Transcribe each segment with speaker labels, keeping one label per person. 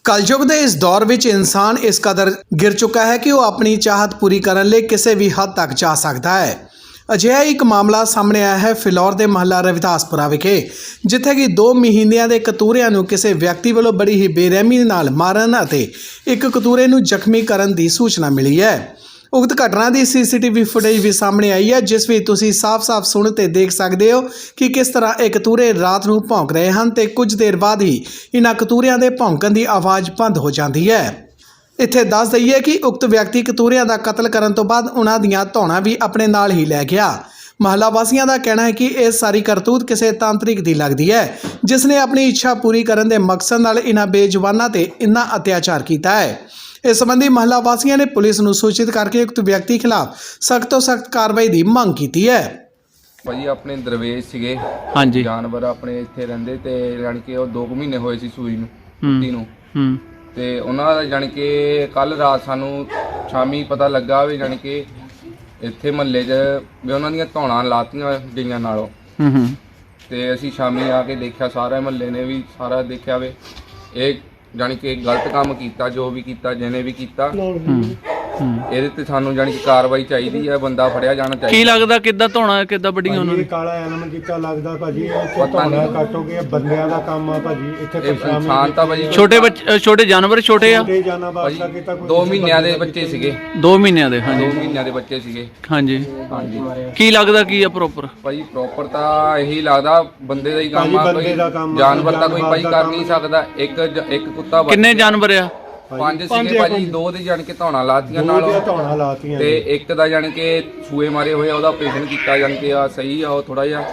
Speaker 1: कलयुग के इस दौर में इंसान इस कदर गिर चुका है कि वह अपनी चाहत पूरी करने लिए किसी भी हद तक जा सकता है। अजिहा एक मामला सामने आया है फिलौर के महला रविदासपुरा विखे, जिथे कि 2 महीनों के कतूरिਆਂ ਨੂੰ किसी व्यक्ति वालों बड़ी ही बेरहमी नाल मारन ਅਤੇ एक कतूरे ਨੂੰ ਜ਼ਖਮੀ ਕਰਨ ਦੀ सूचना मिली है। उक्त घटना की CCTV फुटेज भी सामने आई है, जिस भी तुसी साफ-साफ सुन ते देख सकते हो कि किस तरह एक कतूरे रात ਨੂੰ भौंक रहे हैं ते कुछ देर बाद ही इन्हां कतूरिਆਂ ਦੇ ਭੌਂਕਣ ਦੀ आवाज़ बंद हो जाती है। ਇੱਥੇ ਦੱਸ ਦਈਏ कि उक्त व्यक्ति कतूरिਆਂ ਦਾ कतल ਕਰਨ ਤੋਂ ਬਾਅਦ ਉਹਨਾਂ ਦੀਆਂ ਧੌਣਾਂ भी अपने नाल ही लै गया। महला वासियों का कहना है कि यह सारी करतूत किसी तांत्रिक की लगती है, जिसने अपनी इच्छा पूरी करने के मकसद नाल इन्हां बेजुबानां ते इन्ना अत्याचार किया है। इस संबंधी महला वासियों ने पुलिस को सूचित करके उक्त व्यक्ति खिलाफ सख्त तो सख्त कार्रवाई की मांग की है।
Speaker 2: भाजी अपने दरवेश सीगे
Speaker 3: हाँ जी
Speaker 2: जानवर अपने इत्थे रहिंदे ते जानी कि ਉਹ 2 ਮਹੀਨੇ ਹੋਏ ਸੀ ਸੂਈ ਨੂੰ ਕੁੱਤੀ ਨੂੰ ਤੇ ਉਹਨਾਂ ਦਾ ਜਾਨੀ ਕਿ ਕੱਲ ਰਾਤ ਸਾਨੂੰ ਸ਼ਾਮੀ ਪਤਾ ਲੱਗਾ ਵੀ ਜਾਨੀ ਕਿ ਇੱਥੇ ਮਹੱਲੇ 'ਚ ਵੀ ਉਹਨਾਂ ਦੀਆਂ ਧੌਣਾਂ ਲਾਤੀਆਂ ਗਈਆਂ ਨਾਲੋਂ ਤੇ ਅਸੀਂ ਸ਼ਾਮੀ ਆ ਕੇ ਦੇਖਿਆ, ਸਾਰੇ ਮਹੱਲੇ ਨੇ ਵੀ ਸਾਰਾ ਦੇਖਿਆ ਵੇ ਇਹ ਜਾਨੀ कि गलत काम किया, जो भी किया जिन्हें भी किया ਇਹਦੇ ਤੇ ਸਾਨੂੰ ਜਾਨੀ ਕਿ ਕਾਰਵਾਈ ਚਾਹੀਦੀ ਹੈ, ਬੰਦਾ ਫੜਿਆ ਜਾਣਾ ਚਾਹੀਦਾ।
Speaker 3: ਕੀ ਲੱਗਦਾ ਕਿੱਦਾਂ ਧੋਣਾ ਕਿੱਦਾਂ ਵੱਡੀਆਂ ਉਹਨਾਂ ਨੇ?
Speaker 4: ਕਾਲਾ ਐਨਮ ਕੀਤਾ ਲੱਗਦਾ ਭਾਜੀ, ਇੱਥੇ ਧੌਣਾ ਕੱਟ ਹੋ ਗਿਆ, ਬੰਦਿਆਂ ਦਾ ਕੰਮ ਆ ਭਾਜੀ। ਇੱਥੇ
Speaker 2: ਇਨਸਾਨ ਤਾਂ ਭਾਜੀ
Speaker 3: ਛੋਟੇ ਬੱਚੇ ਛੋਟੇ ਜਾਨਵਰ ਛੋਟੇ ਆ
Speaker 2: ਭਾਜੀ 2 ਮਹੀਨਿਆਂ ਦੇ ਬੱਚੇ ਸੀਗੇ
Speaker 3: 2 ਮਹੀਨਿਆਂ ਦੇ। ਹਾਂਜੀ
Speaker 2: 2 ਮਹੀਨਿਆਂ ਦੇ ਬੱਚੇ ਸੀਗੇ।
Speaker 3: ਹਾਂਜੀ
Speaker 2: ਹਾਂਜੀ
Speaker 3: ਕੀ ਲੱਗਦਾ ਕੀ ਆ ਪ੍ਰੋਪਰ?
Speaker 2: ਭਾਜੀ ਪ੍ਰੋਪਰ ਤਾਂ ਇਹੀ ਲੱਗਦਾ ਬੰਦੇ ਦਾ ਹੀ ਕੰਮ ਆ, ਕੋਈ ਜਾਨਵਰ ਤਾਂ ਕੋਈ ਭਾਜੀ ਕਰ ਨਹੀਂ ਸਕਦਾ। ਇੱਕ ਕੁੱਤਾ
Speaker 3: ਕਿੰਨੇ ਜਾਨਵਰ ਆ?
Speaker 2: 5 ਸੀਗੇ ਭਾਜੀ, 2 ਦੇ ਜਾਣ ਕੇ ਧੌਣਾ ਲਾਤੀਆਂ ਨਾਲ ਤੇ ਇੱਕ ਦਾ ਜਾਣ ਕੇ ਸੂਏ ਮਾਰੇ ਹੋਏ, ਉਹਦਾ ਆਪਰੇਸ਼ਨ ਕੀਤਾ ਜਾਣ ਕੇ ਆ ਸਹੀ ਆ ਉਹ ਥੋੜਾ ਜਿਹਾ।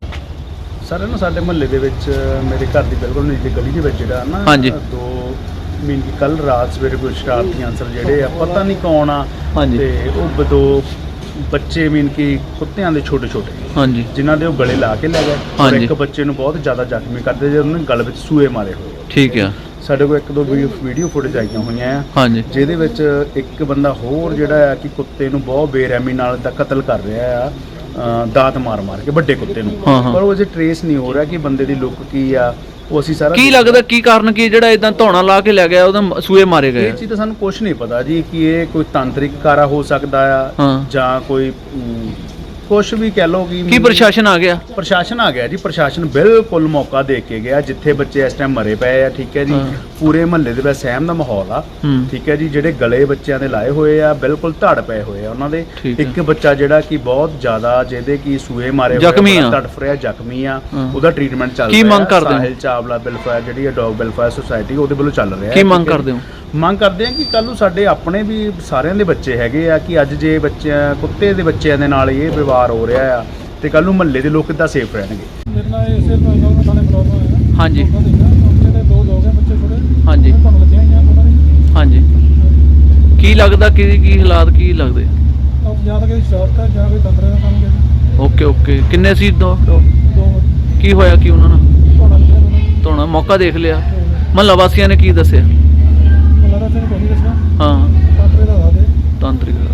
Speaker 4: ਸਰ ਨਾ ਸਾਡੇ ਮੁਹੱਲੇ ਦੇ ਵਿੱਚ ਮੇਰੇ ਘਰ ਦੀ ਬਿਲਕੁਲ ਨੇੜੇ ਗਲੀ ਦੇ ਵਿੱਚ ਜਿਹੜਾ ਨਾ
Speaker 3: ਹਾਂਜੀ
Speaker 4: 2 ਮਹੀਨੇ ਕੱਲ ਰਾਤ ਸਵੇਰੇ ਕੋਈ ਸ਼ਰਾਰਤੀ ਅਨਸਰ ਜਿਹੜੇ ਆ ਪਤਾ ਨਹੀਂ ਕੌਣ ਆ
Speaker 3: ਹਾਂਜੀ
Speaker 4: ਤੇ ਉਹ 2 ਬੱਚੇ ਮੀਨ ਕਿ ਕੁੱਤਿਆਂ ਦੇ ਛੋਟੇ ਛੋਟੇ
Speaker 3: ਹਾਂਜੀ
Speaker 4: ਜਿਨ੍ਹਾਂ ਦੇ ਉਹ ਗਲੇ ਲਾ ਕੇ ਲੈ ਗਏ ਔਰ
Speaker 3: ਹਾਂਜੀ।
Speaker 4: ਇੱਕ ਬੱਚੇ ਨੂੰ ਬਹੁਤ ਜ਼ਿਆਦਾ ਜ਼ਖਮੀ ਕਰਦੇ ਜੇ ਉਹਨੇ ਗਲ ਵਿੱਚ ਸੂਏ ਮਾਰੇ ਹੋਏ।
Speaker 3: ਠੀਕ ਆ।
Speaker 4: ਸਾਡੇ ਕੋਲ 1-2 ਵੀਡੀਓ ਫੁਟੇਜ ਆਈਆਂ ਹੋਈਆਂ ਆ
Speaker 3: ਹਾਂਜੀ
Speaker 4: ਜਿਹਦੇ ਵਿੱਚ ਇੱਕ ਬੰਦਾ ਹੋਰ ਜਿਹੜਾ ਆ ਕਿ ਕੁੱਤੇ ਨੂੰ ਬਹੁਤ ਬੇਰਹਿਮੀ ਨਾਲ ਦਾ ਕਤਲ ਕਰ ਰਿਹਾ ਆ, ਦਾਤ ਮਾਰ ਕੇ ਵੱਡੇ ਕੁੱਤੇ ਨੂੰ, ਪਰ ਉਹ ਅਜੇ ਟਰੇਸ ਨਹੀਂ ਹੋ ਰਿਹਾ ਕਿ ਬੰਦੇ ਦੀ ਲੁੱਕ ਕੀ ਆ। ਉਹ ਅਸੀਂ ਸਾਰਾ
Speaker 3: ਕੀ ਲੱਗਦਾ ਕੀ ਕਾਰਨ ਕੀ ਜਿਹੜਾ ਇਦਾਂ ਧੌਣਾ ਲਾ ਕੇ ਲੈ ਗਿਆ ਉਹਦਾ ਸੂਏ ਮਾਰੇ ਗਏ?
Speaker 4: ਇਹ ਚੀਜ਼ ਤਾਂ ਸਾਨੂੰ ਕੁਝ ਨਹੀਂ ਪਤਾ ਜੀ ਕਿ ਇਹ ਕੋਈ ਤਾਂਤਰਿਕ ਕਾਰਾ ਹੋ ਸਕਦਾ ਆ ਜਾਂ ਕੋਈ ਕੁਛ ਵੀ ਕਹਿ ਲਓ ਕਿ
Speaker 3: ਕੀ ਪ੍ਰਸ਼ਾਸਨ ਆ ਗਿਆ?
Speaker 4: ਪ੍ਰਸ਼ਾਸਨ ਆ ਗਿਆ ਜੀ। ਪ੍ਰਸ਼ਾਸਨ ਬਿਲਕੁਲ ਮੌਕਾ ਦੇ ਕੇ ਗਿਆ ਜਿੱਥੇ ਬੱਚੇ ਇਸ ਟਾਈਮ ਮਰੇ ਪਏ ਆ। ਠੀਕ ਹੈ ਜੀ, ਪੂਰੇ ਮਹੱਲੇ ਦੇ ਵਿੱਚ ਸਹਿਮ ਦਾ ਮਾਹੌਲ ਆ। ਠੀਕ ਹੈ ਜੀ, ਜਿਹੜੇ ਗਲੇ ਬੱਚਿਆਂ ਦੇ ਲਾਏ ਹੋਏ ਆ ਬਿਲਕੁਲ ਧੜ ਪਏ ਹੋਏ ਆ ਉਹਨਾਂ ਦੇ। ਇੱਕ ਬੱਚਾ ਜਿਹੜਾ ਕਿ ਬਹੁਤ ਜ਼ਿਆਦਾ ਜਿਹਦੇ ਕਿ ਸੂਏ ਮਾਰੇ ਹੋਏ ਤੜਫ ਰਿਹਾ, ਜ਼ਖਮੀ ਆ, ਉਹਦਾ ਟ੍ਰੀਟਮੈਂਟ ਚੱਲ ਰਿਹਾ।
Speaker 3: ਕੀ ਮੰਗ ਕਰਦੇ ਹੋ?
Speaker 4: ਸਾਹਿਲ ਚਾਵਲਾ ਵੈਲਫੇਅਰ ਜਿਹੜੀ ਹੈ ਡੌਗ ਵੈਲਫੇਅਰ ਸੁਸਾਇਟੀ ਉਹਦੇ ਵੱਲੋਂ ਚੱਲ ਰਿਹਾ।
Speaker 3: ਕੀ ਮੰਗ ਕਰਦੇ ਹੋ?
Speaker 4: ਮੰਗ ਕਰਦੇ ਆ ਕਿ ਕੱਲ ਨੂੰ ਸਾਡੇ ਆਪਣੇ ਵੀ ਸਾਰਿਆਂ ਦੇ ਬੱਚੇ ਹੈਗੇ ਆ ਕਿ ਅੱਜ ਜੇ ਬੱਚਿਆਂ ਕੁੱਤੇ ਦੇ ਬੱਚਿਆਂ ਦੇ ਨਾਲ ਇਹ ਵਿਵਹਾਰ ਹੋ ਰਿਹਾ ਆ ਤੇ ਕੱਲ ਨੂੰ ਮਹੱਲੇ ਦੇ ਲੋਕ ਕਿੱਦਾਂ ਸੇਫ ਰਹਿਣਗੇ।
Speaker 5: ਮੇਰੇ ਨਾਲ ਇਸੇ ਥਾਣੇ ਫਲੋਰ ਹੋਇਆ।
Speaker 3: ਹਾਂਜੀ
Speaker 5: ਜਿਹੜੇ 2 ਲੋਕ ਆ ਬੱਚੇ ਛੋਟੇ
Speaker 3: ਹਾਂਜੀ
Speaker 5: ਤੁਹਾਨੂੰ ਲੱਗੀਆਂ ਹੋਈਆਂ ਉਹਨਾਂ ਦੀ।
Speaker 3: ਹਾਂਜੀ ਕੀ ਲੱਗਦਾ ਕੀ ਹਾਲਾਤ ਕੀ ਲੱਗਦੇ?
Speaker 5: ਜਾਂ ਤਾਂ ਕਿਸੇ ਸ਼ਰਾਰਤ ਹੈ ਜਾਂ ਕੋਈ ਤੰਤਰ ਦਾ ਕੰਮ ਹੈ।
Speaker 3: ਓਕੇ ਓਕੇ ਕਿੰਨੇ ਸੀ? 2
Speaker 5: 2
Speaker 3: ਕੀ ਹੋਇਆ ਕੀ ਉਹਨਾਂ ਨਾਲ?
Speaker 5: ਧੌਣਾ ਲੱਗਿਆ ਉਹਨਾਂ ਨੂੰ।
Speaker 3: ਧੌਣਾ ਮੌਕਾ ਦੇਖ ਲਿਆ? ਮਹੱਲਾ ਵਾਸੀਆਂ ਨੇ ਕੀ ਦੱਸਿਆ?
Speaker 5: ਮਤਲਬ ਤਾਂ ਤੈਨੂੰ ਕੋਈ ਨਹੀਂ ਦੱਸਣਾ।
Speaker 3: ਹਾਂ
Speaker 5: ਤੰਤਰੇ ਦਾ ਦੱਸ ਦੇ।
Speaker 3: ਤਾਂਤਰਿਕ